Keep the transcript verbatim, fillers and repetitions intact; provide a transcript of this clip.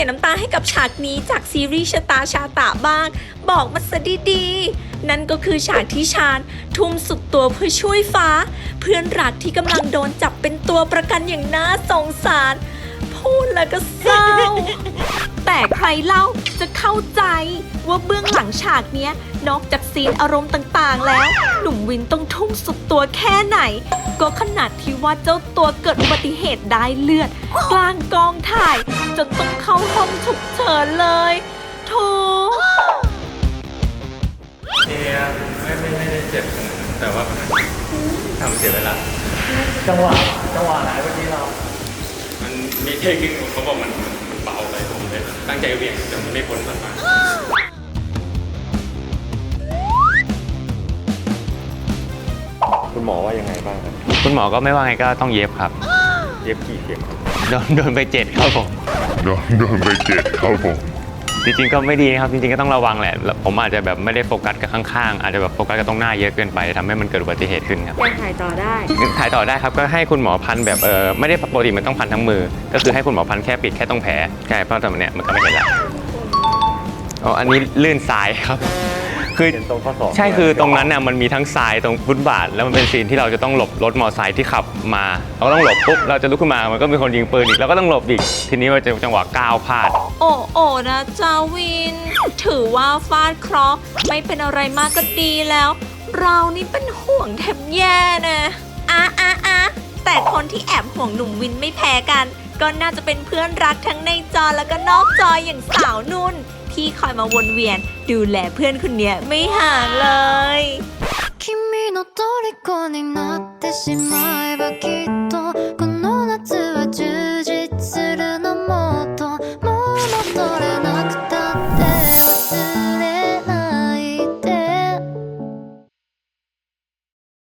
ยน้ำตาให้กับฉากนี้จากซีรีส์ชะตาชาตะบ้างบอกมาซะดีๆนั่นก็คือฉากที่ชาญทุ่มสุดตัวเพื่อช่วยฟ้าเพื่อนรักที่กำลังโดนจับเป็นตัวประกันอย่างน่าสงสารพูดแล้วก็เศร้า แต่ใครเล่าจะเข้าใจว่าเบื้องหลังฉากเนี้ยนอกจากซีนอารมณ์ต่างๆแล้วหนุ่มวินต้องทุ่มสุดตัวแค่ไหนก็ขนาดที่ว่าเจ้าตัวเกิดอุบัติเหตุได้เลือดกลางกองถ่ายจนต้องเข้าห้องฉุกเฉินเลยโถเฮียไม่ไม่ไม่ได้เจ็บแต่ว่าทำเสียเวลาจังหวะจังหวะไหนเมื่อกี้เรามันมีเทคนิคเขาบอกมันมันเบาไปผมเลยตั้งใจเวียงแต่มันไม่พ้นมันมาคุณหมอว่ายังไงบ้างครับคุณหมอก็ไม่ว่าไงก็ต้องเย็บครับเย็บกี่เข็มครับโดนโดนไปเจ็ดครับผมโดนโดนไปเจ็ดครับผมจริงๆก็ไม่ดีนะครับจริงๆก็ต้องระวังแหละผมอาจจะแบบไม่ได้โฟกัสกับข้างๆอาจจะแบบโฟกัสกับตรงหน้าเยอะเกินไปทำให้มันเกิดอุบัติเหตุขึ้นครับยังถ่ายต่อได้ถ่ายต่อได้ครับก็ให้คุณหมอพันแบบเออไม่ได้ปกติมันต้องพันทั้งมือ ก็คือให้คุณหมอพันแค่ปิดแค่ตรงแผลใช่เพราะตอนเนี้ยมันก็ไม่เห็นแล้วอ๋ออันนี้ลื่นทรายครับคือเห็นตรงข้อศอกใช่คือตรงนั้นน่ะมันมีทั้งทรายตรงฟุตบาทแล้วมันเป็นซีนที่เราจะต้องหลบรถมอเตอร์ไซค์ที่ขับมาเราก็ต้องหลบปุ๊บเราจะลุกขึ้นมามันก็มีคนยิงปืนอีกเราก็ต้องหลบอีกทีนี้มันจะจังหวะก้าวพลาดโอ้โอ้นะจาวิน ถือว่าฟาดเคราะห์ไม่เป็นอะไรมากก็ดีแล้ว เรานี่เป็นห่วงแทบแย่นะอ่ะอ่ะอ่ะแต่คนที่แอบห่วงหนุ่มวินไม่แพ้กัน ก็น่าจะเป็นเพื่อนรักทั้งในจอแล้วก็นอกจออย่างสาวนุ่น ที่คอยมาวนเวียน ดูแลเพื่อนคนเนี้ยไม่ห่างเลย君の虜になってしまえばきっとこの夏は充